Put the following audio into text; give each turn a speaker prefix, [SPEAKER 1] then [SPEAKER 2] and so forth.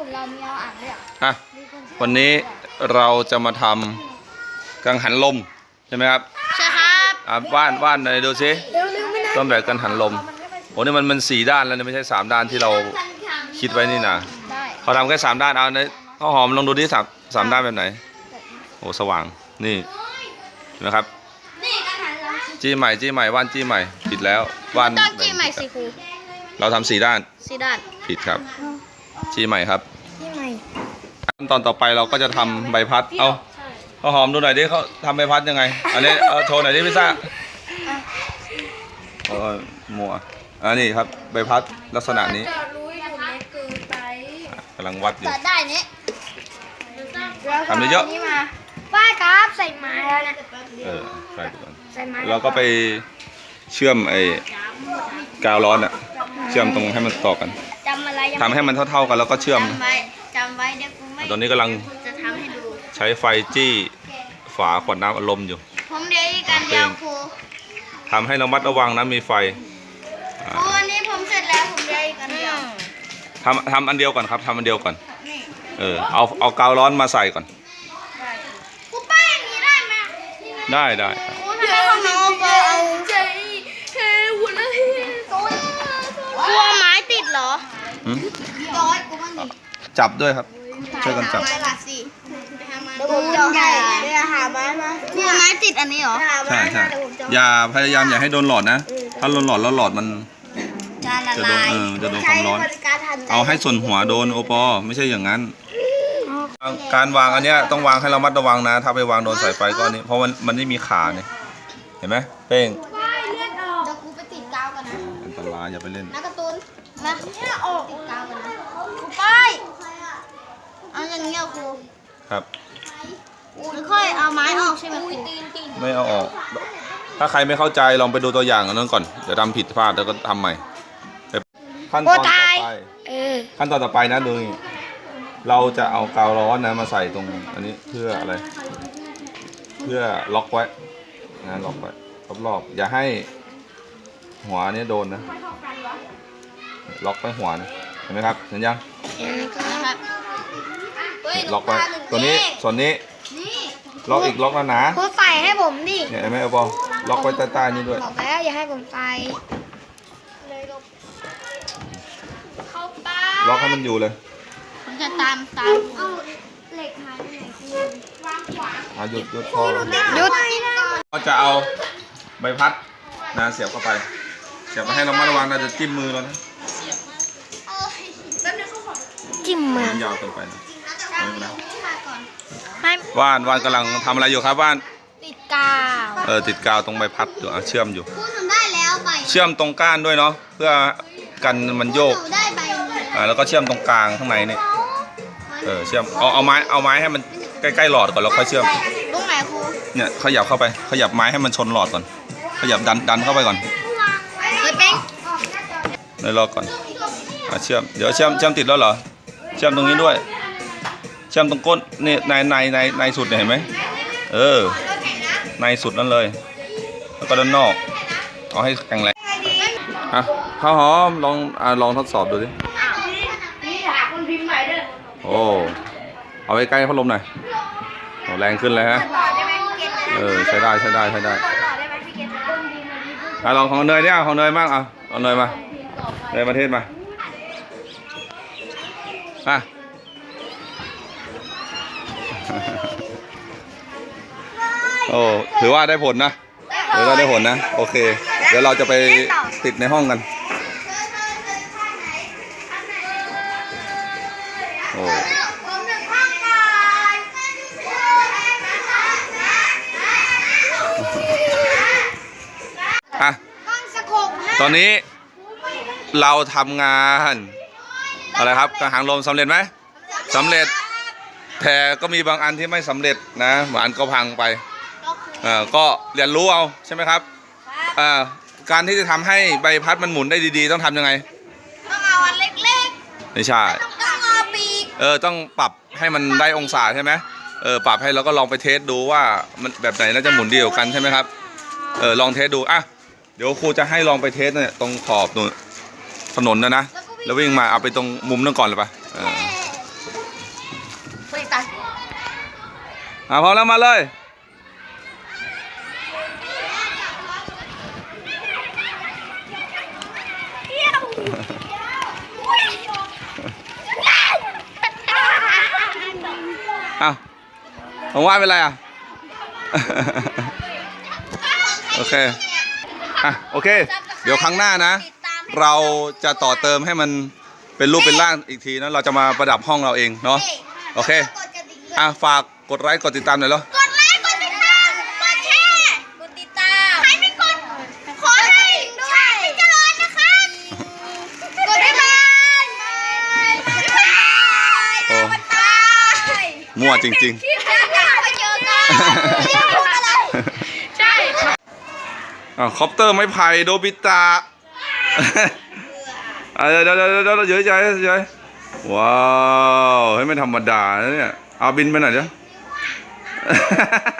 [SPEAKER 1] ลุ่มเรามีเอาอ่างด้วยเหรอ
[SPEAKER 2] อ่ะวันนี้เราจะมาทำกังหันลมใช่ไหมครับ
[SPEAKER 1] ใช่ครับ
[SPEAKER 2] ว่านหน่อยดูสิต้นแบบกังหันลมโอ้นี่มัน4 ด้านแล้วไม่ใช่3 ด้านที่เราคิดไว้นี่นะเขาทำแค่3 ด้านเอาในข้าวหอมลองดูที่สามด้านแบบไหนโอ้สว่างนี่นะครับจี้ใหม่ว่านจี้ใหม่ผิดแล้วว่าน
[SPEAKER 1] ต้องจี้ใหม่สิครู
[SPEAKER 2] เราทำ4 ด้านผิดครับจี้ใหม่ครับขั้นตอนต่อไปเราก็จะทำใบพัดเอาข้าวหอมดูหน่อยดิเขาทำใบพัดยังไงอันนี้โชว์หน่อยดิพี่ซ่ามัวอันนี้ครับใบพัดลักษณะนี้กำลังวัดอยู่
[SPEAKER 1] ได้นี้
[SPEAKER 2] ทำเยอะ
[SPEAKER 1] ป้ายครับใส่ไม้แล้วนะ
[SPEAKER 2] ใส่ก่อนเราก็ไปเชื่อมไอ้กาวร้อนอ่ะเชื่อมตรงให้มันต่อกันทำให้มันเท่าๆกันแล้วก็เชื่อม
[SPEAKER 1] จำไว้เดี๋ยวกูไม่
[SPEAKER 2] ตอนนี้กำลัง
[SPEAKER 1] จะทำให้ดู
[SPEAKER 2] ใช้ไฟจี้ฝาขวดน้ำอารมณ์อยู่
[SPEAKER 1] ผมเดี๋ยวกันเดียวครู
[SPEAKER 2] ทำให้ระมัดระวังนะมีไฟ
[SPEAKER 1] วันนี้ผมเสร็จแล้วผมเดี๋ยวกันเดียว
[SPEAKER 2] ทำอันเดียวก่อนครับทำอันเดียวก่อนเอากาวร้อนมาใส่ก่อน
[SPEAKER 1] กูป้ายอย่างนี้ได้ไหม
[SPEAKER 2] ได้
[SPEAKER 1] กูทำไมของน้องก็เอาใจหัวละกลัวไม้ติดเหรอกูบ้างดิ
[SPEAKER 2] จับด้วยครับช่วยกันจับ
[SPEAKER 1] ผมจะหาไม้มาคือไม้ติดอันนี้เหรอ
[SPEAKER 2] ใช่พยายามอย่าให้โดนหลอดนะถ้าโดนหลอดแล้วหลอดมันจะโดนความร้อนเอาให้ส่วนหัวโดนโอปอไม่ใช่อย่างนั้นการวางอันเนี้ยต้องวางให้เรามัดระวังนะถ้าไปวางโดนสายไฟก็นี้เพราะมันไม่มีขาเนี่ยเห็นไหมเป้ง
[SPEAKER 1] เดี๋ยวกูไปติดกาวกันนะ
[SPEAKER 2] อันตรายอย่าไปเล่น
[SPEAKER 1] นักการ์ตูนมาเนี่ยออกติดกาวกันนะกูป้ายเอาอย่างเงี้ยครู
[SPEAKER 2] ครับ
[SPEAKER 1] ไม่ค่อยเอาไม้ออกใช่ไหมครู
[SPEAKER 2] ไม่เอาออกถ้าใครไม่เข้าใจลองไปดูตัวอย่างอันนั้นก่อนเดี๋ยวทำผิดพลาดแล้วก็ทำใหม่ขั้นตอนต่อไปนะดูนี่เราจะเอากาวร้อนนะมาใส่ตรงอันนี้เพื่ออะไรเพื่อล็อกไว้นะล็อกไว้รอบๆอย่าให้หัวนี้โดนนะล็อกไว้หัวนะเห็นไหมครับเห็นยังล็อกไว้ตัวนี้ส่วนนี้ล็อกอีกล็อกแล้วนะ
[SPEAKER 1] คุณใส่ให้ผมดิ
[SPEAKER 2] เนี่ยเห็นไหมเอาบอลล็อกไว้ใต้ๆนี่ด้วย
[SPEAKER 1] บอกแล้วอย่าให้ผมใส่
[SPEAKER 2] ล็อกให้มันอยู่เลย
[SPEAKER 1] ผมจะตามเอาเหล็กหายไปไหน
[SPEAKER 2] หยุดพอ
[SPEAKER 1] หยุด
[SPEAKER 2] ก็จะเอาใบพัดนะเสียบเข้าไปเสียบไปให้เรามาระวังเราจะจิ้มมือเรานะ
[SPEAKER 1] จิ้มมื
[SPEAKER 2] อยาวเกินไปนะว่านกำลังทำอะไรอยู่ครับว่าน
[SPEAKER 1] ติดกาว
[SPEAKER 2] ติดกาวตรงใบพัดอยู่เชื่อมอยู่เชื่อมตรงก้านด้วยเนาะเพื่อกันมันโยกแล้วก็เชื่อมตรงกลางข้างในนี่เชื่อมเอาไม้ให้มันใกล้ๆหลอดก่อนแล้วค่อยเชื่อม
[SPEAKER 1] ตรงไหนครู
[SPEAKER 2] เนี่ยขยับเข้าไปขยับไม้ให้มันชนหลอดก่อนขยับดันเข้าไปก่อนในรอก่อนเชื่อมเดี๋ยวเชื่อมติดแล้วเหรอเชื่อมตรงนี้ด้วยเชื่อมตรงก้นนี่ในสุดเห็นไหมในสุดนั่นเลยแล้วก็ด้านนอกเอาให้แข็งแรงข้าวหอมลองทดสอบดูดิโอ้เอาไว้ใกล้พัดลมหน่อยแรงขึ้นเลยฮะใช้ได้ลองของเนยเนี่ยของเนยมากเอาเนยมาเนยประเทศมาโอ้ถือว่าได้ผลนะโอเคเดี๋ยวเราจะไปติดในห้องกันโอ้ตอนนี้เราทำงานอะไรครับกังหันลมสำเร็จไหมสำเร็จแต่ก็มีบางอันที่ไม่สำเร็จนะบางอันก็พังไปก็เรียนรู้เอาใช่ไหมครับการที่จะทำให้ใบพัดมันหมุนได้ดีๆต้องทำยังไง
[SPEAKER 1] ต้องเอาอันเล็ก
[SPEAKER 2] ๆไม่ใช่
[SPEAKER 1] ต้องเอาปีก
[SPEAKER 2] ต้องปรับให้มันได้องศาใช่ไหมปรับให้แล้วก็ลองไปเทสดูว่ามันแบบไหนน่าจะหมุนดีกว่ากันใช่ไหมครับลองเทสดูเดี๋ยวครูจะให้ลองไปเทสเนี่ยตรงขอบถนนนะแล้ววิ่งมาเอาไปตรงมุมนั่นก่อนเลยปะ
[SPEAKER 1] ตาย
[SPEAKER 2] พร้อมแล้วมาเลย ผมว่าเป็นไรโอเคโอเค เดี๋ยวครั้งหน้านะ เราจะต่อเติมให้มันเป็นรูปเป็นร่างอีกทีนะเราจะมาประดับห้องเราเองเนาะโอเคฝากกดไลค์กดติดตามหน่อยเหรอก
[SPEAKER 1] ดไลค์กดติดตามกดแชร์กดติดตามใครไม่กดขอให้ชาติเจริญนะคะกดบ๊ายบาย
[SPEAKER 2] โอ้มั่วจริงๆ
[SPEAKER 1] ใช่
[SPEAKER 2] คอปเตอร์ไม้ไผ่โดบิตะเดี๋ยวเยอะว้าวเฮ้ยไม่ธรรมดานะเนี่ยเอาบินไปหน่อยเดี๋ยว